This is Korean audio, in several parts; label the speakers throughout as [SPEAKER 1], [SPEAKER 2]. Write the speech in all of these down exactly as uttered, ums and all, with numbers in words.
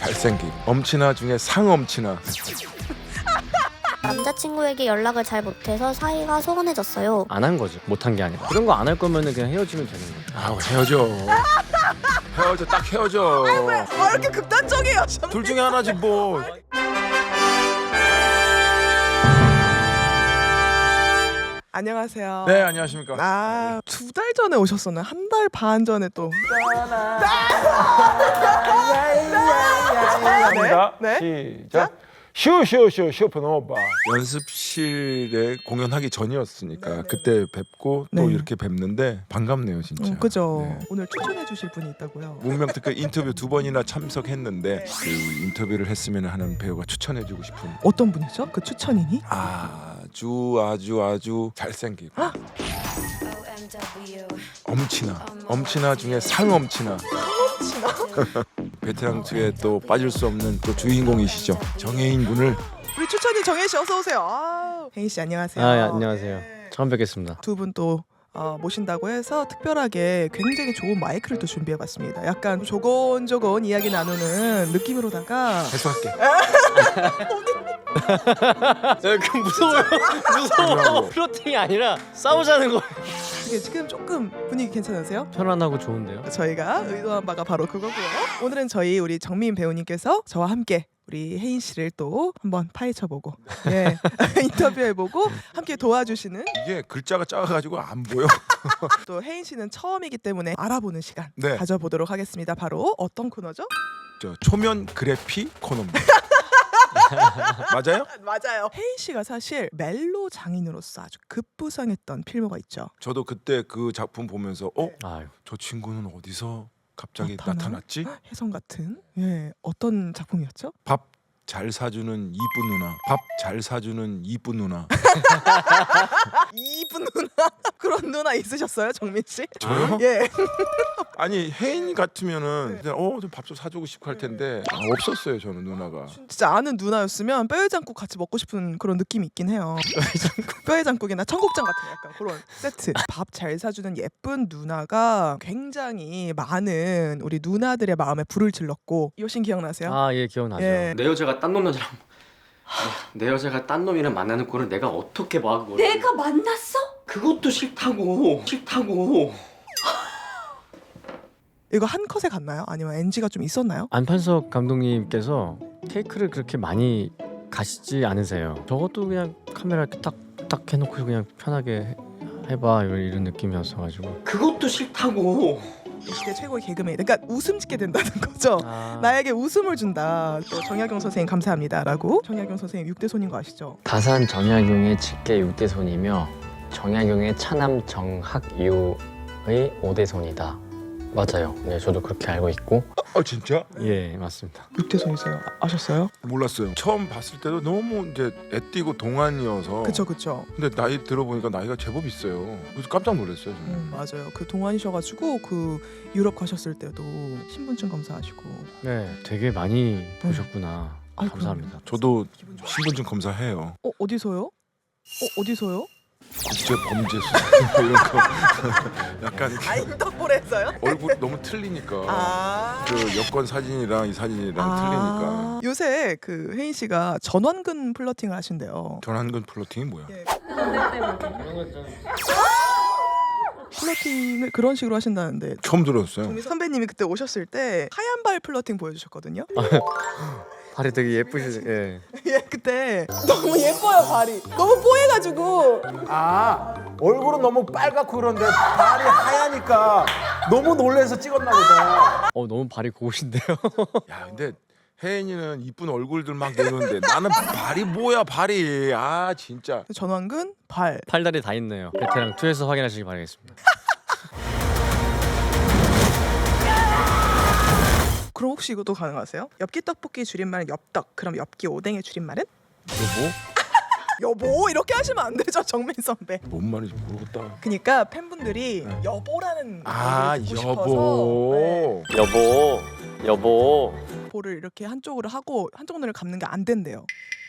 [SPEAKER 1] 잘생김. 엄친아 중에 상엄친아.
[SPEAKER 2] 남자친구에게 연락을 잘 못해서 사이가 소원해졌어요.
[SPEAKER 3] 안 한 거죠. 못한 게 아니라. 그런 거 안 할 거면은 그냥 헤어지면 되는 거예요.
[SPEAKER 1] 아우 헤어져. 헤어져 딱 헤어져.
[SPEAKER 4] 아 이렇게 극단적이에요.
[SPEAKER 1] 둘 중에 하나지 뭐.
[SPEAKER 4] 안녕하세요.
[SPEAKER 1] 네 안녕하십니까.
[SPEAKER 4] 아, 두 달 전에 오셨었나요? 한 달 반 전에 또.
[SPEAKER 1] 갑니다.
[SPEAKER 4] 네.
[SPEAKER 1] 시작. 슈슈슈 슈퍼노바. 연습실에 공연하기 전이었으니까 그때 뵙고 또
[SPEAKER 4] 네.
[SPEAKER 1] 이렇게 뵙는데 반갑네요 진짜.
[SPEAKER 4] 어, 그죠.
[SPEAKER 1] 네.
[SPEAKER 4] 오늘 추천해 주실 분이 있다고요.
[SPEAKER 1] 문명특급 인터뷰 두 번이나 참석했는데 그 인터뷰를 했으면 하는 배우가 추천해주고 싶은
[SPEAKER 4] 어떤 분이죠? 그 추천인이?
[SPEAKER 1] 아주 아주 아주 잘생기고 엄친아 엄친아 중에 상엄친아 베테랑 측에 또 빠질 수 없는 또 주인공이시죠. 정혜인 군을
[SPEAKER 4] 우리 추천인 정혜 씨 어서 오세요. 아, 혜인 씨 안녕하세요.
[SPEAKER 3] 아, 예, 안녕하세요.
[SPEAKER 4] 네.
[SPEAKER 3] 처음 뵙겠습니다.
[SPEAKER 4] 두 분 또 어, 모신다고 해서 특별하게 굉장히 좋은 마이크를 또 준비해봤습니다. 약간 조곤조곤 이야기 나누는 느낌으로다가
[SPEAKER 1] 해소할게.
[SPEAKER 3] 그 무서워요. 무서워. 플로팅이 아니라 싸우자는 거예요.
[SPEAKER 4] 이게 지금 조금 분위기 괜찮으세요?
[SPEAKER 3] 편안하고 좋은데요.
[SPEAKER 4] 저희가 의도한 바가 바로 그거고요. 오늘은 저희 우리 정민 배우님께서 저와 함께 우리 혜인 씨를 또 한번 파헤쳐보고 예 인터뷰해보고 함께 도와주시는
[SPEAKER 1] 이게 글자가 작아가지고 안 보여.
[SPEAKER 4] 또 혜인 씨는 처음이기 때문에 알아보는 시간
[SPEAKER 1] 네.
[SPEAKER 4] 가져보도록 하겠습니다. 바로 어떤 코너죠?
[SPEAKER 1] 저 초면 그래피 코너입니다. 맞아요?
[SPEAKER 4] 맞아요. 혜인 씨가 사실 멜로 장인으로서 아주 급부상했던 필모가 있죠.
[SPEAKER 1] 저도 그때 그 작품 보면서 어?
[SPEAKER 3] 아유.
[SPEAKER 1] 저 친구는 어디서 갑자기
[SPEAKER 4] 나타나?
[SPEAKER 1] 나타났지?
[SPEAKER 4] 혜성 같은 예 어떤 작품이었죠?
[SPEAKER 1] 밥 잘 사주는 이쁜 누나. 밥 잘 사주는 이쁜 누나.
[SPEAKER 4] 이쁜 누나 그런 누나 있으셨어요, 정민 씨?
[SPEAKER 1] 저요?
[SPEAKER 4] 예.
[SPEAKER 1] 아니 혜인 같으면은 그냥 어밥 좀 사주고 싶고 할 텐데 아, 없었어요 저는 누나가.
[SPEAKER 4] 진짜 아는 누나였으면 뼈해장국 같이 먹고 싶은 그런 느낌이 있긴 해요. 뼈해장국이나 청국장 같은 약간 그런 세트. 밥 잘 사주는 예쁜 누나가 굉장히 많은 우리 누나들의 마음에 불을 질렀고 이 씬 기억나세요?
[SPEAKER 3] 아, 예, 기억나죠.
[SPEAKER 4] 예.
[SPEAKER 5] 내 여자가 딴 놈이랑 내 여자가 딴 놈이랑 만나는 꼴을 내가 어떻게 봐 그걸?
[SPEAKER 6] 내가 만났어?
[SPEAKER 5] 그것도 싫다고 싫다고.
[SPEAKER 4] 이거 한 컷에 갔나요? 아니면 엔지가 좀 있었나요?
[SPEAKER 3] 안판석 감독님께서 테이크를 그렇게 많이 가시지 않으세요. 저것도 그냥 카메라 이렇게 딱딱 해놓고 그냥 편하게 해, 해봐 이런, 이런 느낌이었어가지고.
[SPEAKER 5] 그것도 싫다고.
[SPEAKER 4] 이게 최고의 개그맨. 그러니까 웃음 짓게 된다는 거죠.
[SPEAKER 3] 아,
[SPEAKER 4] 나에게 웃음을 준다. 또 정약용 선생님 감사합니다라고. 정약용 선생님 육대손인 거 아시죠?
[SPEAKER 7] 다산 정약용의 직계 육대손이며 정약용의 차남 정학유의 오대손이다. 맞아요. 네, 저도 그렇게 알고 있고.
[SPEAKER 1] 아 진짜?
[SPEAKER 3] 예, 맞습니다.
[SPEAKER 4] 육대손이세요. 아, 아셨어요?
[SPEAKER 1] 몰랐어요. 처음 봤을 때도 너무 이제 애띠고 동안이어서.
[SPEAKER 4] 그쵸 그쵸.
[SPEAKER 1] 근데 나이 들어보니까 나이가 제법 있어요. 그래서 깜짝 놀랐어요. 저는.
[SPEAKER 4] 음, 맞아요. 그 동안이셔가지고 그 유럽 가셨을 때도 신분증 검사하시고.
[SPEAKER 3] 네, 되게 많이 보셨구나.
[SPEAKER 4] 아이,
[SPEAKER 3] 감사합니다.
[SPEAKER 1] 저도 신분증 검사해요.
[SPEAKER 4] 어 어디서요? 어 어디서요?
[SPEAKER 1] 국제 범죄 수사 이런 거. 약간 이렇게
[SPEAKER 4] 아 인터폴에서요?
[SPEAKER 1] 얼굴 너무 틀리니까.
[SPEAKER 4] 아.
[SPEAKER 1] 그 여권 사진이랑 이 사진이랑
[SPEAKER 4] 아.
[SPEAKER 1] 틀리니까.
[SPEAKER 4] 요새 그 혜인 씨가 전완근 플러팅을 하신대요.
[SPEAKER 1] 전환근 플로팅이 뭐야?
[SPEAKER 4] 예. 플러팅을 그런 식으로 하신다는데
[SPEAKER 1] 처음 들었어요.
[SPEAKER 4] 정미 선배님이 그때 오셨을 때 하얀 발 플러팅 보여주셨거든요.
[SPEAKER 3] 발이 되게 예쁘시. 예.
[SPEAKER 4] 예, 그때 너무 예뻐요 발이. 너무 뽀해가지고.
[SPEAKER 8] 아 얼굴은 너무 빨갛고 그런데 발이 하얘니까 너무 놀래서 찍었나 보다.
[SPEAKER 3] 어, 너무 발이 고우신데요.
[SPEAKER 1] 야 근데 혜인이는 이쁜 얼굴들 막 내는데 나는 발이 뭐야 발이. 아 진짜.
[SPEAKER 4] 전완근 발.
[SPEAKER 3] 팔다리 다 있네요. 베테랑 투에서 확인하시기 바라겠습니다.
[SPEAKER 4] 그럼 혹시 이것도 가능하세요? 엽기 떡볶이 줄임말은 엽떡. 그럼 엽기 오뎅의 줄임말은?
[SPEAKER 1] 여보?
[SPEAKER 4] 여보 이렇게 하시면 안 되죠 정민 선배.
[SPEAKER 1] 뭔 말인지 모르겠다.
[SPEAKER 4] 그러니까 팬분들이
[SPEAKER 1] 네.
[SPEAKER 4] 여보라는
[SPEAKER 1] 아
[SPEAKER 4] 얘기를 듣고
[SPEAKER 1] 여보.
[SPEAKER 4] 싶어서,
[SPEAKER 3] 여보, 여보.
[SPEAKER 4] 네, 볼을 이렇게 한쪽으로 하고 한쪽 눈을 감는 게 안 된대요.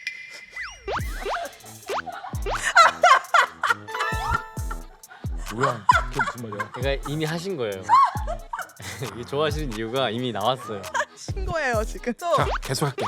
[SPEAKER 1] 뭐야? 그게 무슨 말이야?
[SPEAKER 3] 그러니까 이미 하신 거예요. 이게 좋아하시는 이유가 이미 나왔어요.
[SPEAKER 4] 하신 거예요 지금. 또
[SPEAKER 1] 자 계속할게.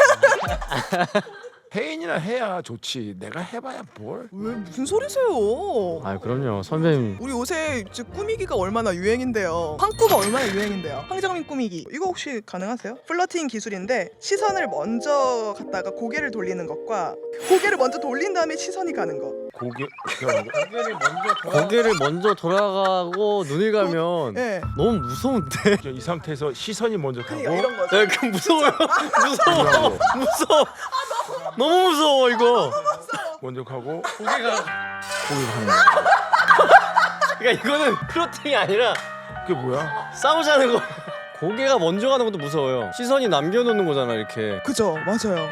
[SPEAKER 1] 혜인이나 해야 좋지. 내가 해봐야 뭘?
[SPEAKER 4] 왜 무슨 소리세요?
[SPEAKER 3] 아 그럼요 선배님.
[SPEAKER 4] 우리 요새 이제 꾸미기가 얼마나 유행인데요. 황꾸가 얼마나 유행인데요. 황정민 꾸미기 이거 혹시 가능하세요? 플러팅 기술인데 시선을 먼저 갖다가 고개를 돌리는 것과 고개를 먼저 돌린 다음에 시선이 가는 거.
[SPEAKER 1] 고개 어떻게 하는 거야?
[SPEAKER 3] 고개를 먼저 고개를 먼저 돌아가고 눈을 가면
[SPEAKER 4] 예.
[SPEAKER 3] 너무 무서운데.
[SPEAKER 1] 이 상태에서 시선이 먼저 가고
[SPEAKER 4] 그러니까 이런 거죠.
[SPEAKER 3] 네, 그 무서워요. 무서워.
[SPEAKER 1] 돌아가고,
[SPEAKER 3] 무서워. 너무 무서워 이거.
[SPEAKER 1] 먼저 가고
[SPEAKER 3] 고개가.
[SPEAKER 1] 고개 가는 거야.
[SPEAKER 3] 그러니까 이거는 플러팅이 아니라
[SPEAKER 1] 그게 뭐야?
[SPEAKER 3] 싸우자는 거. 고개가 먼저 가는 것도 무서워요. 시선이 남겨놓는 거잖아 이렇게.
[SPEAKER 4] 그죠, 맞아요.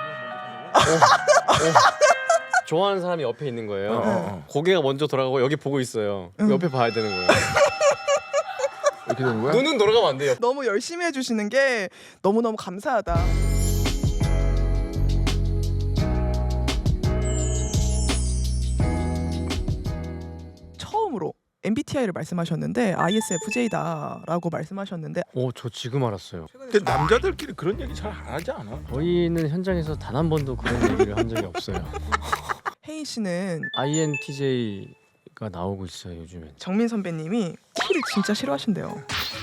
[SPEAKER 3] 좋아하는 사람이 옆에 있는 거예요.
[SPEAKER 1] 어, 어, 어.
[SPEAKER 3] 고개가 먼저 돌아가고 여기 보고 있어요.
[SPEAKER 4] 응.
[SPEAKER 3] 옆에 봐야 되는 거예요.
[SPEAKER 1] 이렇게 되는 거야?
[SPEAKER 3] 눈은 돌아가면 안 돼요.
[SPEAKER 4] 너무 열심히 해주시는 게 너무 너무 감사하다. 처음으로 엠비티아이를 말씀하셨는데 아이에스에프제이다라고 말씀하셨는데
[SPEAKER 3] 오, 저 지금 알았어요.
[SPEAKER 1] 근데 남자들끼리 그런 얘기 잘 안 하지 않아?
[SPEAKER 3] 저희는 현장에서 단 한 번도 그런 얘기를 한 적이 없어요.
[SPEAKER 4] 혜인 씨는
[SPEAKER 3] 아이엔티제이가 나오고 있어요 요즘엔.
[SPEAKER 4] 정민 선배님이 티를 진짜 싫어하신대요.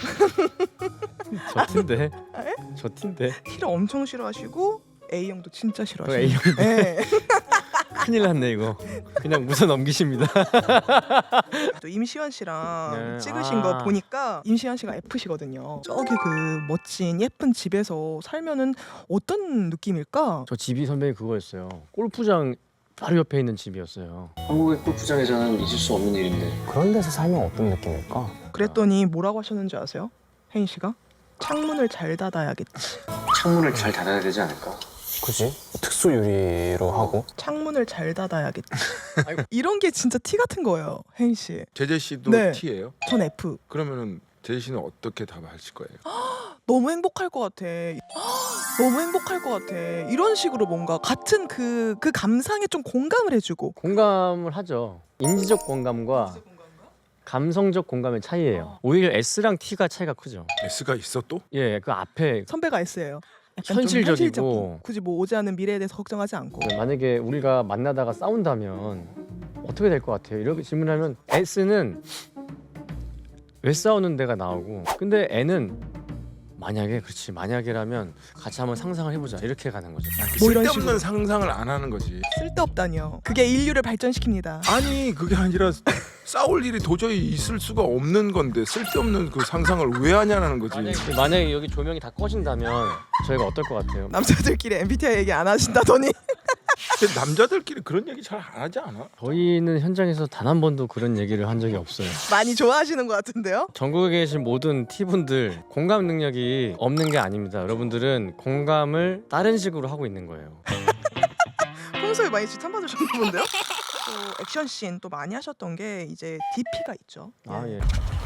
[SPEAKER 3] 저 팀데. 저 팀데.
[SPEAKER 4] 티를 엄청 싫어하시고 A형도 진짜
[SPEAKER 3] 그
[SPEAKER 4] 싫어하시고.
[SPEAKER 3] A형
[SPEAKER 4] 네.
[SPEAKER 3] 큰일 났네 이거. 그냥 웃어 넘기십니다.
[SPEAKER 4] 또 임시완 씨랑
[SPEAKER 3] 네.
[SPEAKER 4] 찍으신
[SPEAKER 3] 아.
[SPEAKER 4] 거 보니까 임시완 씨가 F시거든요. 저기 그 멋진 예쁜 집에서 살면은 어떤 느낌일까?
[SPEAKER 3] 저 집이 선배님 그거였어요. 골프장 바로 옆에 있는 집이었어요.
[SPEAKER 5] 한국의 골프장에서는 잊을 수 없는 일인데
[SPEAKER 7] 그런 데서 살면 어떤 느낌일까?
[SPEAKER 4] 그랬더니 뭐라고 하셨는지 아세요? 혜인 씨가? 창문을 잘 닫아야겠지.
[SPEAKER 5] 창문을 잘 닫아야 되지 않을까?
[SPEAKER 7] 그지? 특수 유리로 하고.
[SPEAKER 4] 창문을 잘 닫아야겠지. 이런 게 진짜 티 같은 거예요, 혜인 씨.
[SPEAKER 1] 제재 씨도
[SPEAKER 4] 네.
[SPEAKER 1] T예요?
[SPEAKER 4] 전 F.
[SPEAKER 1] 그러면은 제재 씨는 어떻게 답하실 거예요?
[SPEAKER 4] 너무 행복할 것 같아. 너무 행복할 것 같아. 이런 식으로 뭔가 같은 그, 그 감상에 좀 공감을 해주고.
[SPEAKER 3] 공감을 하죠. 인지적 공감과 감성적 공감의 차이예요. 오히려 S랑 T가 차이가 크죠.
[SPEAKER 1] S가 있어 또?
[SPEAKER 3] 예, 그 앞에
[SPEAKER 4] 선배가 S예요. 약간 좀
[SPEAKER 3] 현실적이고.
[SPEAKER 4] 현실적인. 굳이 뭐 오지 않은 미래에 대해서 걱정하지 않고.
[SPEAKER 3] 만약에 우리가 만나다가 싸운다면 어떻게 될 것 같아요? 이렇게 질문하면 S는 왜 싸우는 데가 나오고, 근데 N은 만약에 그렇지 만약에라면 같이 한번 상상을 해보자 이렇게 가는 거죠.
[SPEAKER 4] 뭐 이런
[SPEAKER 1] 쓸데없는
[SPEAKER 4] 식으로.
[SPEAKER 1] 상상을 안 하는 거지.
[SPEAKER 4] 쓸데없다니요. 그게 인류를 발전시킵니다.
[SPEAKER 1] 아니 그게 아니라 싸울 일이 도저히 있을 수가 없는 건데 쓸데없는 그 상상을 왜 하냐는 거지.
[SPEAKER 3] 만약에, 만약에 여기 조명이 다 꺼진다면 저희가 어떨 것 같아요?
[SPEAKER 4] 남자들끼리 엠비티아이 얘기 안 하신다더니.
[SPEAKER 1] 근데 남자들끼리 그런 얘기 잘 안 하지 않아?
[SPEAKER 3] 저희는 현장에서 단 한 번도 그런 얘기를 한 적이 없어요.
[SPEAKER 4] 많이 좋아하시는 것 같은데요?
[SPEAKER 3] 전국에 계신 모든 T분들 공감 능력이 없는 게 아닙니다. 여러분들은 공감을 다른 식으로 하고 있는 거예요.
[SPEAKER 4] 평소에 많이 지탄받으셨나 본데요? 또 액션씬 또 많이 하셨던 게 이제 디피가 있죠.
[SPEAKER 3] 아 예.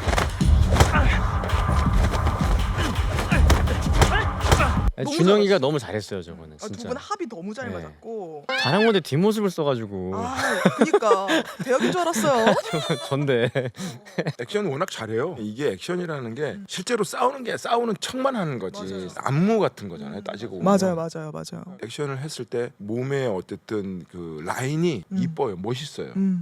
[SPEAKER 4] 너무
[SPEAKER 3] 준영이가 너무 잘했어요 저거는
[SPEAKER 4] 두
[SPEAKER 3] 진짜.
[SPEAKER 4] 분 합이 너무 잘
[SPEAKER 3] 네.
[SPEAKER 4] 맞았고.
[SPEAKER 3] 잘한 건데 뒷모습을 써가지고
[SPEAKER 4] 아, 그니까 대역인 줄 알았어요.
[SPEAKER 3] 저- 전데.
[SPEAKER 1] 액션 워낙 잘해요. 이게 액션이라는 게 실제로 싸우는 게 싸우는 척만 하는 거지. 안무 같은 거잖아요. 따지고 보면.
[SPEAKER 4] 맞아요, 맞아요, 맞아요.
[SPEAKER 1] 액션을 했을 때 몸에 어쨌든 그 라인이
[SPEAKER 4] 음.
[SPEAKER 1] 이뻐요. 멋있어요.
[SPEAKER 4] 음.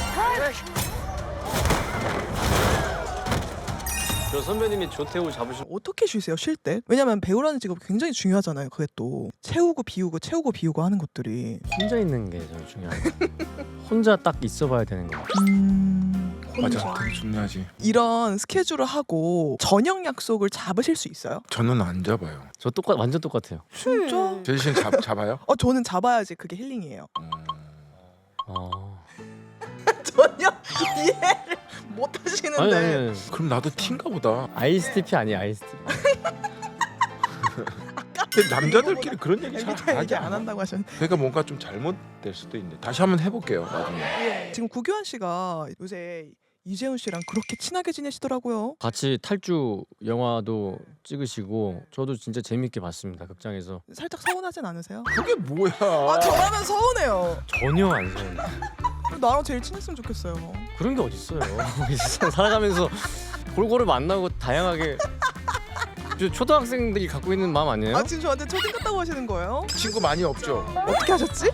[SPEAKER 3] 저 선배님이 조태우 잡으신.
[SPEAKER 4] 어떻게 쉬세요 쉴 때? 왜냐면 배우라는 직업이 굉장히 중요하잖아요. 그게 또 채우고 비우고 채우고 비우고 하는 것들이.
[SPEAKER 3] 혼자 있는 게 제일 중요해요. 혼자 딱 있어봐야 되는 거.
[SPEAKER 4] 음... 혼자.
[SPEAKER 1] 맞아, 되게 중요하지.
[SPEAKER 4] 이런 스케줄을 하고 저녁 약속을 잡으실 수 있어요?
[SPEAKER 1] 저는 안 잡아요.
[SPEAKER 3] 저 똑같 완전 똑같아요.
[SPEAKER 4] 진짜?
[SPEAKER 1] 제재 씨는 잡, 잡아요?
[SPEAKER 4] 어 저는 잡아야지 그게 힐링이에요.
[SPEAKER 1] 음.
[SPEAKER 3] 어.
[SPEAKER 4] 전혀 이해를 못 하시는데.
[SPEAKER 3] 아니 아니 아니.
[SPEAKER 1] 그럼 나도 T인가 보다.
[SPEAKER 3] 아이스티피 아니에요 아이스티피.
[SPEAKER 1] 근데 남자들끼리 그런 얘기 잘 안
[SPEAKER 4] 엠비티아이 얘기
[SPEAKER 1] 하지
[SPEAKER 4] 안
[SPEAKER 1] 않아?
[SPEAKER 4] 한다고 하셨는데.
[SPEAKER 1] 그러니까 뭔가 좀 잘못될 수도 있는데 다시 한번 해볼게요. 나중에.
[SPEAKER 4] 지금 구교환 씨가 요새 이재훈 씨랑 그렇게 친하게 지내시더라고요.
[SPEAKER 3] 같이 탈주 영화도 찍으시고 저도 진짜 재밌게 봤습니다 극장에서.
[SPEAKER 4] 살짝 서운하진 않으세요?
[SPEAKER 1] 그게 뭐야?
[SPEAKER 4] 아 저라면 서운해요.
[SPEAKER 3] 전혀 안 서운해.
[SPEAKER 4] 나랑 제일 친했으면 좋겠어요.
[SPEAKER 3] 그런 게 어딨어요. 이 세상 살아가면서 골고루 만나고 다양하게 저 초등학생들이 갖고 있는 마음 아니에요?
[SPEAKER 4] 아 지금 저한테 초딩 같다고 하시는 거예요?
[SPEAKER 1] 친구 많이 없죠.
[SPEAKER 4] 어떻게 하셨지?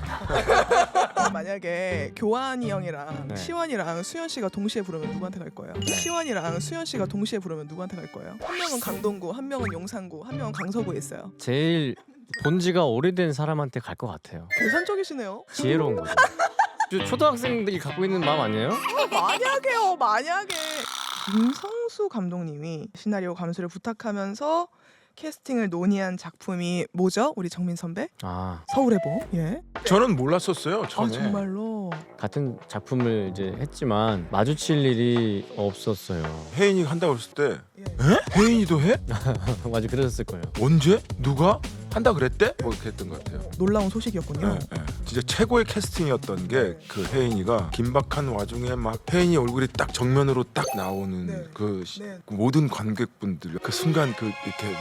[SPEAKER 4] 만약에 교환이 형이랑
[SPEAKER 3] 네.
[SPEAKER 4] 시완이랑 수현 씨가 동시에 부르면 누구한테 갈 거예요? 시완이랑 수현 씨가 동시에 부르면 누구한테 갈 거예요? 한 명은 강동구, 한 명은 용산구, 한 명은 강서구에 있어요.
[SPEAKER 3] 제일 본지가 오래된 사람한테 갈 것 같아요.
[SPEAKER 4] 계산적이시네요.
[SPEAKER 3] 지혜로운 거죠. 저 초등학생들이 갖고 있는 마음 아니에요?
[SPEAKER 4] 만약에요, 만약에 김성수 감독님이 시나리오 감수를 부탁하면서 캐스팅을 논의한 작품이 뭐죠? 우리 정민 선배?
[SPEAKER 3] 아
[SPEAKER 4] 서울의 봄. 예.
[SPEAKER 1] 저는 몰랐었어요
[SPEAKER 4] 아
[SPEAKER 1] 처음에.
[SPEAKER 4] 정말로.
[SPEAKER 3] 같은 작품을 이제 했지만 마주칠 일이 없었어요.
[SPEAKER 1] 혜인이가 한다고 했을 때
[SPEAKER 4] 예.
[SPEAKER 1] 에? 혜인이도 해?
[SPEAKER 3] 맞아 그랬을 거예요.
[SPEAKER 1] 언제? 누가? 한다 그랬대? 뭐 이렇게 했던 것 같아요.
[SPEAKER 4] 놀라운 소식이었군요.
[SPEAKER 1] 네, 네. 진짜 최고의 캐스팅이었던 게 그 혜인이가 긴박한 와중에 막 혜인이 얼굴이 딱 정면으로 딱 나오는
[SPEAKER 4] 네.
[SPEAKER 1] 그, 시-
[SPEAKER 4] 네.
[SPEAKER 1] 그 모든 관객분들 그 순간 그 이렇게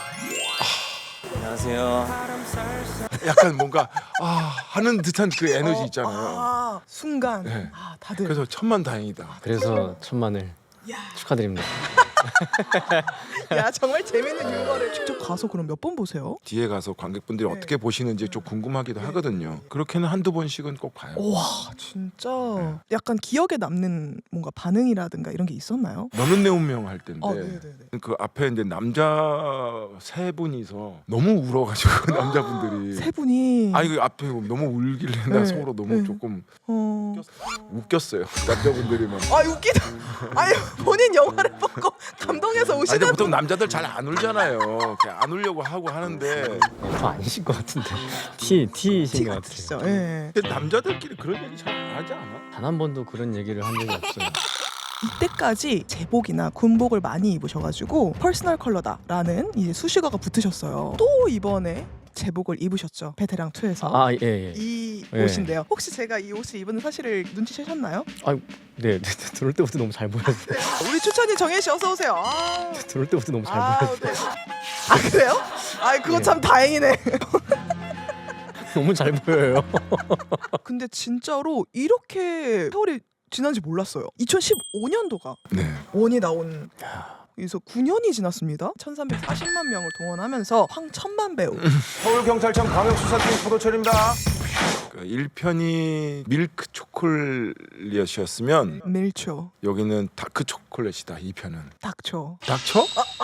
[SPEAKER 6] 안녕하세요.
[SPEAKER 1] 약간 뭔가 아 하는 듯한 그 에너지 있잖아요.
[SPEAKER 4] 아 순간.
[SPEAKER 1] 네.
[SPEAKER 4] 아 다들.
[SPEAKER 1] 그래서 천만다행이다.
[SPEAKER 3] 그래서 천만을
[SPEAKER 4] 야.
[SPEAKER 3] 축하드립니다.
[SPEAKER 4] 야 정말 재밌는 유머를 직접 가서 그럼 몇 번 보세요?
[SPEAKER 1] 뒤에 가서 관객분들이
[SPEAKER 4] 네.
[SPEAKER 1] 어떻게 보시는지 좀 궁금하기도 하거든요. 그렇게는 한두 번씩은 꼭 봐요.
[SPEAKER 4] 와 진짜 약간 기억에 남는 뭔가 반응이라든가 이런 게 있었나요?
[SPEAKER 1] 너는 내 운명 할 때인데
[SPEAKER 4] 아 네네네.
[SPEAKER 1] 그 앞에 이제 남자 세 분이서 너무 울어가지고 남자분들이
[SPEAKER 4] 세 분이
[SPEAKER 1] 아니 그 앞에 너무 울길래
[SPEAKER 4] 네.
[SPEAKER 1] 나 서로 너무
[SPEAKER 4] 네.
[SPEAKER 1] 조금
[SPEAKER 4] 어...
[SPEAKER 1] 웃겼어요. 남자분들이 막.
[SPEAKER 4] 아 웃기다. 아니 본인 영화를 보고 감동해서
[SPEAKER 1] 아니 근데
[SPEAKER 4] 우시는
[SPEAKER 1] 보통 남자들 잘 안 울잖아요. 그냥 안 울려고 하고 하는데
[SPEAKER 3] 저 아니신 것 같은데 T T이신 것
[SPEAKER 4] 진짜.
[SPEAKER 3] 같아요.
[SPEAKER 4] 예.
[SPEAKER 1] 근데 남자들끼리 그런 얘기 잘 안 하지 않아?
[SPEAKER 3] 단 한 번도 그런 얘기를 한 적이 없어요.
[SPEAKER 4] 이때까지 제복이나 군복을 많이 입으셔가지고 퍼스널 컬러다라는 이제 수식어가 붙으셨어요. 또 이번에 제복을 입으셨죠. 베테랑 투에서.
[SPEAKER 3] 아 예 예.
[SPEAKER 4] 이
[SPEAKER 3] 예.
[SPEAKER 4] 옷인데요. 혹시 제가 이 옷을 입은 사실을 눈치채셨나요?
[SPEAKER 3] 네, 네, 네 들어올 때부터 너무 잘 보였어요.
[SPEAKER 4] 우리 추천인 정혜 씨 어서 오세요. 아,
[SPEAKER 3] 들어올 때부터 너무 잘
[SPEAKER 4] 아,
[SPEAKER 3] 보였어요.
[SPEAKER 4] 네. 아 그래요? 아 그거
[SPEAKER 3] 네.
[SPEAKER 4] 참 다행이네.
[SPEAKER 3] 너무 잘 보여요.
[SPEAKER 4] 근데 진짜로 이렇게 세월이 지난지 몰랐어요. 이천십오 년도가
[SPEAKER 1] 네.
[SPEAKER 4] 원이 나온. 그래서 구 년이 지났습니다. 천삼백사십만 명을 동원하면서 황천만 배우.
[SPEAKER 8] 서울경찰청 광역수사팀 포도철입니다.
[SPEAKER 1] 그 일 편이 밀크 초콜릿이었으면
[SPEAKER 4] 밀초,
[SPEAKER 1] 여기는 다크 초콜릿이다. 이 편은.
[SPEAKER 4] 닥초.
[SPEAKER 1] 닥쳐?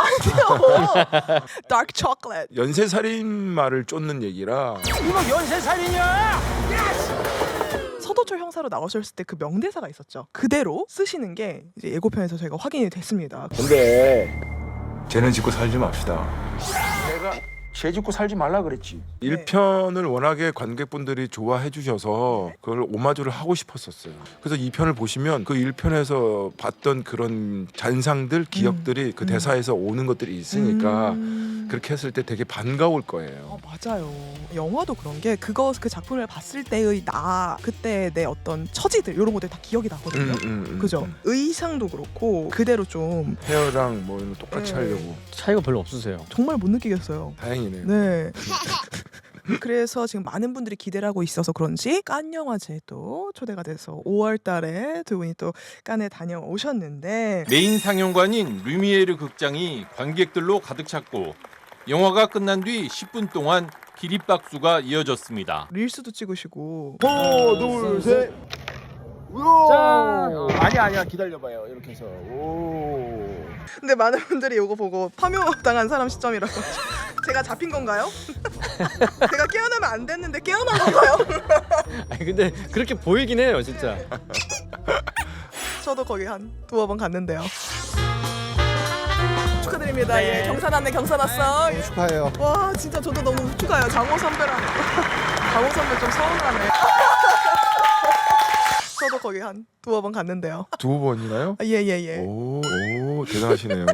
[SPEAKER 4] 다크 초콜릿.
[SPEAKER 1] 연쇄살인마를 쫓는 얘기라.
[SPEAKER 8] 이거 연쇄살인이야!
[SPEAKER 4] 서도철 형사로 나오셨을 때 그 명대사가 있었죠. 그대로 쓰시는 게 이제 예고편에서 저희가 확인이 됐습니다.
[SPEAKER 1] 근데 쟤는 짓고 살지 맙시다. 내가 죄 짓고 살지 말라 그랬지. 일 편을 워낙에 관객분들이 좋아해 주셔서 그걸 오마주를 하고 싶었었어요. 그래서 이 편을 보시면 그 일 편에서 봤던 그런 잔상들, 기억들이 그
[SPEAKER 4] 음.
[SPEAKER 1] 대사에서 오는 것들이 있으니까
[SPEAKER 4] 음...
[SPEAKER 1] 그렇게 했을 때 되게 반가울 거예요.
[SPEAKER 4] 어, 맞아요. 영화도 그런 게 그거 그 작품을 봤을 때의 나 그때 내 어떤 처지들 이런 것들 다 기억이 나거든요.
[SPEAKER 1] 음, 음, 음,
[SPEAKER 4] 그죠?
[SPEAKER 1] 음.
[SPEAKER 4] 의상도 그렇고 그대로 좀
[SPEAKER 1] 헤어랑 뭐 이런 거 똑같이
[SPEAKER 4] 네.
[SPEAKER 1] 하려고.
[SPEAKER 3] 차이가 별로 없으세요.
[SPEAKER 4] 정말 못 느끼겠어요.
[SPEAKER 1] 다행이네요.
[SPEAKER 4] 네. 그래서 지금 많은 분들이 기대를 하고 있어서 그런지 칸 영화제도 초대가 돼서 오월 달에 두 분이 또 칸에 다녀오셨는데
[SPEAKER 9] 메인 상영관인 루미에르 극장이 관객들로 가득 찼고 영화가 끝난 뒤 십 분 동안 기립박수가 이어졌습니다.
[SPEAKER 4] 릴스도 찍으시고
[SPEAKER 8] 하나, 둘, 셋. 우와! 아니야, 아니야. 기다려봐요. 이렇게 해서. 오.
[SPEAKER 4] 근데 많은 분들이 이거 보고 파묘당한 사람 시점이라고 제가 잡힌 건가요? 제가 깨어나면 안 됐는데 깨어난 건가요?
[SPEAKER 3] 아니 근데 그렇게 보이긴 해요, 진짜.
[SPEAKER 4] 저도 거기 한 두어 번 갔는데요. 축하드립니다. 예, 경산 왔네, 경산 왔어. 예.
[SPEAKER 8] 축하해요.
[SPEAKER 4] 와, 진짜 저도 너무 축하해요. 장호 선배랑 장호 선배 좀 서운하네. 저도 거기 한 두어 번 갔는데요.
[SPEAKER 1] 두 번이나요?
[SPEAKER 4] 예예예. 예, 예.
[SPEAKER 1] 오, 오 대단하시네요.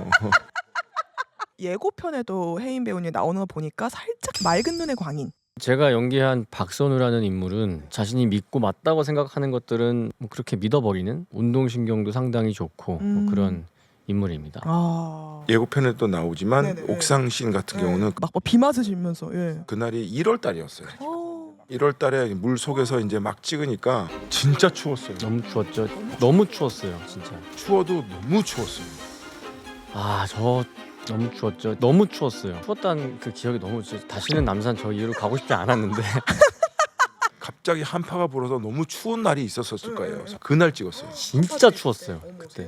[SPEAKER 4] 예고편에도 혜인 배우님 나오는 거 보니까 살짝 맑은 눈의 광인.
[SPEAKER 3] 제가 연기한 박선우라는 인물은 자신이 믿고 맞다고 생각하는 것들은 뭐 그렇게 믿어버리는 운동신경도 상당히 좋고
[SPEAKER 4] 음.
[SPEAKER 3] 뭐 그런 인물입니다.
[SPEAKER 4] 아.
[SPEAKER 1] 예고편에 또 나오지만
[SPEAKER 4] 네네.
[SPEAKER 1] 옥상 씬 같은
[SPEAKER 4] 네.
[SPEAKER 1] 경우는
[SPEAKER 4] 막비 맞으시면서 예.
[SPEAKER 1] 그날이 일월 달이었어요.
[SPEAKER 4] 어.
[SPEAKER 1] 일월 달에 물 속에서 이제 막 찍으니까 진짜 추웠어요.
[SPEAKER 3] 너무 추웠죠. 너무 추웠어요, 진짜.
[SPEAKER 1] 추워도 너무 추웠어요.
[SPEAKER 3] 아, 저 너무 추웠죠. 너무 추웠어요. 추웠다는 그 기억이 너무 지- 다시는 남산 저 이후로 가고 싶지 않았는데
[SPEAKER 1] 갑자기 한파가 불어서 너무 추운 날이 있었을 거예요. 그래서 그날 찍었어요.
[SPEAKER 3] 진짜 추웠어요 그때.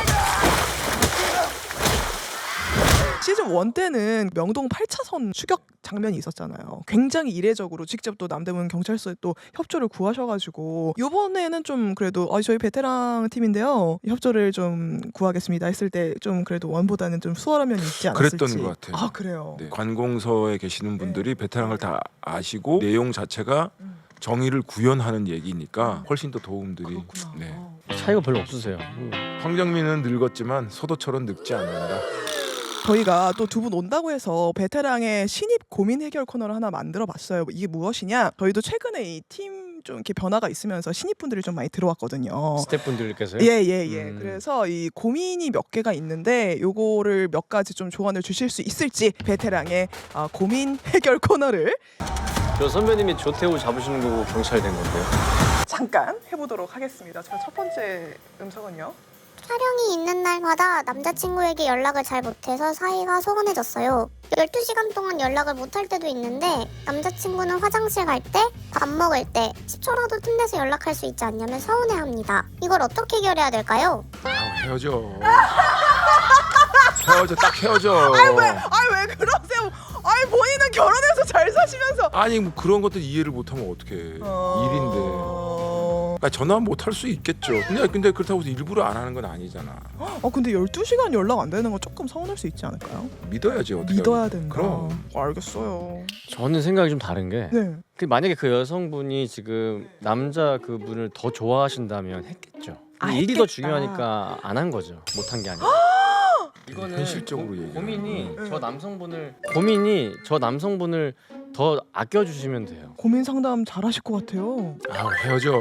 [SPEAKER 4] 시즌 일 때는 명동 팔 차선 추격 장면이 있었잖아요. 굉장히 이례적으로 직접 또 남대문 경찰서에 또 협조를 구하셔가지고 이번에는 좀 그래도 어, 저희 베테랑 팀인데요 협조를 좀 구하겠습니다 했을 때 좀 그래도 원보다는 좀 수월한 면이 있지 않았을지.
[SPEAKER 1] 그랬던 것 같아요.
[SPEAKER 4] 아 그래요.
[SPEAKER 1] 네, 관공서에 계시는 분들이 베테랑을 다 아시고 내용 자체가 정의를 구현하는 얘기니까 훨씬 더 도움들이.
[SPEAKER 4] 그렇구나.
[SPEAKER 1] 네.
[SPEAKER 3] 차이가 별로 없으세요.
[SPEAKER 1] 황정민은 늙었지만 소도처럼 늙지 않는다.
[SPEAKER 4] 저희가 또 두 분 온다고 해서 베테랑의 신입 고민 해결 코너를 하나 만들어 봤어요. 이게 무엇이냐? 저희도 최근에 이 팀 좀 이렇게 변화가 있으면서 신입분들이 좀 많이 들어왔거든요.
[SPEAKER 3] 스태프분들께서요?
[SPEAKER 4] 예, 예, 예.
[SPEAKER 3] 음.
[SPEAKER 4] 그래서 이 고민이 몇 개가 있는데 요거를 몇 가지 좀 조언을 주실 수 있을지 베테랑의 아, 고민 해결 코너를
[SPEAKER 3] 저 선배님이 조태우 잡으시는 거고 경찰 된 건데요.
[SPEAKER 4] 잠깐 해보도록 하겠습니다. 자, 첫 번째 음성은요.
[SPEAKER 2] 촬영이 있는 날마다 남자친구에게 연락을 잘 못해서 사이가 소원해졌어요. 열두 시간 동안 연락을 못할 때도 있는데 남자친구는 화장실 갈 때, 밥 먹을 때 십 초라도 틈내서 연락할 수 있지 않냐면 서운해합니다. 이걸 어떻게 해결해야 될까요?
[SPEAKER 1] 아, 헤어져. 헤어져, 딱 헤어져.
[SPEAKER 4] 아이 왜 그러세요? 아이 본인은 결혼해서 잘 사시면서
[SPEAKER 1] 아니 뭐 그런 것도 이해를 못하면 어떡해. 일인데. 그러니까 전화 못 할 수 있겠죠. 근데 근데 그렇다고 해서 일부러 안 하는 건 아니잖아.
[SPEAKER 4] 어 근데 열두 시간 연락 안 되는 건 조금 서운할 수 있지 않을까요?
[SPEAKER 1] 믿어야지 어떻게.
[SPEAKER 4] 믿어야 된다.
[SPEAKER 1] 그럼.
[SPEAKER 4] 알겠어요.
[SPEAKER 3] 저는 생각이 좀 다른 게
[SPEAKER 4] 네.
[SPEAKER 3] 그 만약에 그 여성분이 지금 남자 그분을 더 좋아하신다면 했겠죠.
[SPEAKER 4] 아,
[SPEAKER 3] 일이 더
[SPEAKER 4] 했겠다.
[SPEAKER 3] 중요하니까 안 한 거죠. 못 한 게 아니라. 이거는
[SPEAKER 1] 현실적으로
[SPEAKER 3] 고,
[SPEAKER 1] 얘기하는
[SPEAKER 3] 고민이
[SPEAKER 4] 거.
[SPEAKER 3] 저 남성분을 고민이 저 남성분을 더 아껴주시면 돼요.
[SPEAKER 4] 고민 상담 잘하실 것 같아요.
[SPEAKER 1] 아, 헤어져.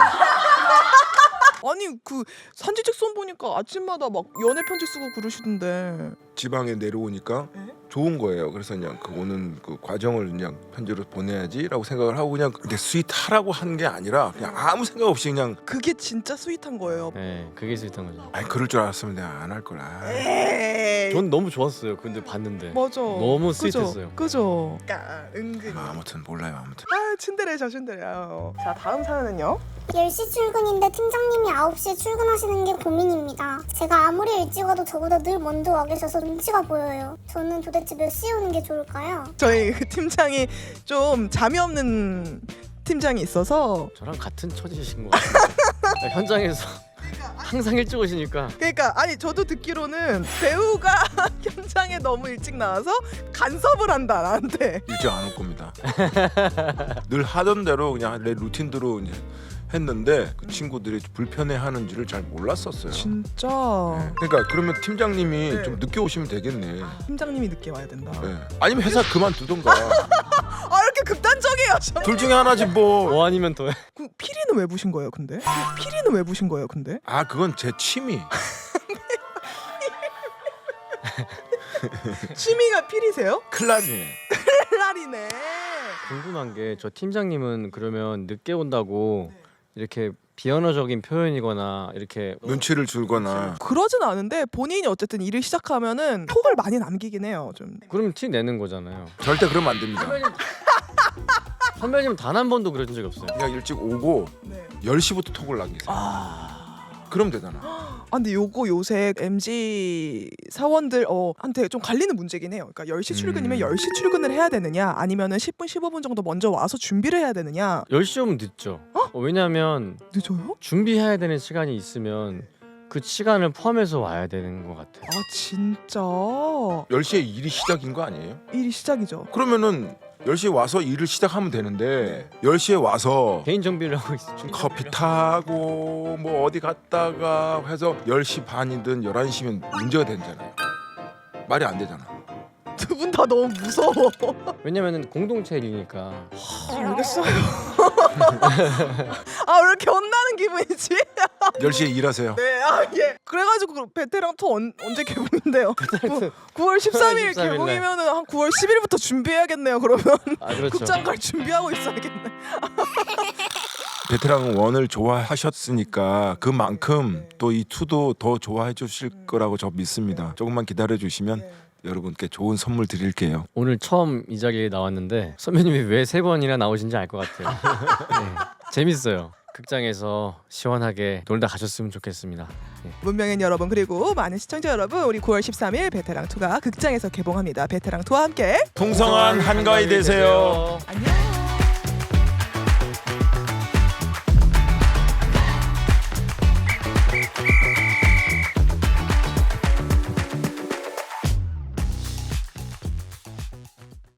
[SPEAKER 4] 아니 그 산지직선 보니까 아침마다 막 연애 편지 쓰고 그러시던데.
[SPEAKER 1] 지방에 내려오니까
[SPEAKER 4] 네?
[SPEAKER 1] 좋은 거예요. 그래서 그냥 그 오는 그 과정을 그냥 편지로 보내야지라고 생각을 하고 그냥 근데 스윗하라고 한 게 아니라 그냥 아무 생각 없이 그냥
[SPEAKER 4] 그게 진짜 스윗한 거예요.
[SPEAKER 3] 네, 그게 스윗한 거죠.
[SPEAKER 1] 아이 그럴 줄 알았으면 내가 안 할 거라.
[SPEAKER 4] 에이.
[SPEAKER 3] 전 너무 좋았어요. 근데 봤는데
[SPEAKER 4] 맞아.
[SPEAKER 3] 너무
[SPEAKER 4] 그죠?
[SPEAKER 3] 스윗했어요.
[SPEAKER 4] 그죠. 그러니까 은근히.
[SPEAKER 1] 아, 아무튼 몰라요. 아무튼.
[SPEAKER 4] 아 츤데레 저 츤데레요. 자 다음 사연은요.
[SPEAKER 2] 열 시 출근인데 팀장님이 아홉 시에 출근하시는 게 고민입니다. 제가 아무리 일찍 와도 저보다 늘 먼저 와 계셔서 눈치가 보여요. 저는 도대체 몇 시에 오는 게 좋을까요?
[SPEAKER 4] 저희 그 팀장이 좀 잠이 없는 팀장이 있어서
[SPEAKER 3] 저랑 같은 처지신 것 같아요. 현장에서 항상 일찍 오시니까
[SPEAKER 4] 그러니까 아니 저도 듣기로는 배우가 현장에 너무 일찍 나와서 간섭을 한다 나한테.
[SPEAKER 1] 일찍 안 올 겁니다. 늘 하던 대로 그냥 내 루틴대로 이제 했는데 그 친구들이 불편해하는 줄을 잘 몰랐었어요.
[SPEAKER 4] 진짜
[SPEAKER 1] 네. 그러니까 그러면 팀장님이
[SPEAKER 4] 네.
[SPEAKER 1] 좀 늦게 오시면 되겠네.
[SPEAKER 4] 팀장님이 늦게 와야 된다.
[SPEAKER 1] 네. 아니면 회사 그만두던가.
[SPEAKER 4] 아 이렇게 극단적이에요. 저.
[SPEAKER 1] 둘 중에 하나지 뭐.
[SPEAKER 3] 뭐 아니면 더
[SPEAKER 4] 그 피리는 왜 부신 거예요, 근데? 피리는 왜 부신 거예요, 근데?
[SPEAKER 1] 아 그건 제 취미.
[SPEAKER 4] 취미가 피리세요?
[SPEAKER 1] 클라리넷.
[SPEAKER 4] 클라리네.
[SPEAKER 3] 궁금한 게 저 팀장님은 그러면 늦게 온다고 이렇게 비언어적인 표현이거나 이렇게
[SPEAKER 1] 눈치를 주거나.
[SPEAKER 4] 그러진 않은데 본인이 어쨌든 일을 시작하면은 톡을 많이 남기긴 해요, 좀.
[SPEAKER 3] 그럼 티 내는 거잖아요.
[SPEAKER 1] 절대 그러면 안 됩니다.
[SPEAKER 3] 선배님 단 한 번도 그런 적이 없어요.
[SPEAKER 1] 그냥 일찍 오고
[SPEAKER 4] 네.
[SPEAKER 1] 열 시부터 톡을 남기세요.
[SPEAKER 4] 아.
[SPEAKER 1] 그럼 되잖아.
[SPEAKER 4] 아 근데 요거 요새 엠지 사원들 어 한테 좀 갈리는 문제긴 해요. 그러니까 열 시 출근이면
[SPEAKER 1] 음.
[SPEAKER 4] 열 시 출근을 해야 되느냐 아니면은 십 분 십오 분 정도 먼저 와서 준비를 해야 되느냐.
[SPEAKER 3] 열 시 오면 늦죠. 어, 왜냐하면
[SPEAKER 4] 늦어요?
[SPEAKER 3] 준비해야 되는 시간이 있으면 그 시간을 포함해서 와야 되는 것 같아요.
[SPEAKER 4] 아 진짜
[SPEAKER 1] 열 시에 일이 시작인 거 아니에요?
[SPEAKER 4] 일이 시작이죠.
[SPEAKER 1] 그러면은 열 시에 와서 일을 시작하면 되는데 열 시에 와서
[SPEAKER 3] 개인 정비를 하고 있어.
[SPEAKER 1] 커피 타고 뭐 어디 갔다가 해서 열 시 반이든 열한 시면 문제가 되잖아요. 말이 안 되잖아.
[SPEAKER 4] 두 분 다 너무 무서워.
[SPEAKER 3] 왜냐면은 공동체 일이니까.
[SPEAKER 4] 아, 알겠어요. 아 왜 이렇게 혼나는 기분이지?
[SPEAKER 1] 열 시에 일하세요.
[SPEAKER 4] 네, 아 예. 그래가지고 그 베테랑 투 언, 언제 개봉인데요? 구월 십삼 일
[SPEAKER 3] 십삼 일 날.
[SPEAKER 4] 개봉이면은 한 구월 십 일부터 준비해야겠네요. 그러면
[SPEAKER 3] 아 그렇죠.
[SPEAKER 4] 극장 갈 준비하고 있어야겠네.
[SPEAKER 1] 베테랑 원을 좋아하셨으니까 그만큼 또 이 투도 더 좋아해 주실 거라고 저 믿습니다. 조금만 기다려 주시면 여러분께 좋은 선물 드릴게요.
[SPEAKER 3] 오늘 처음 이 자리에 나왔는데 선배님이 왜 세 번이나 나오신지 알 것 같아요. 네, 재밌어요. 극장에서 시원하게 놀다 가셨으면 좋겠습니다. 네.
[SPEAKER 4] 문명인 여러분 그리고 많은 시청자 여러분 우리 구월 십삼일 베테랑 이가 극장에서 개봉합니다. 베테랑 이와 함께
[SPEAKER 1] 풍성한 한가위 되세요.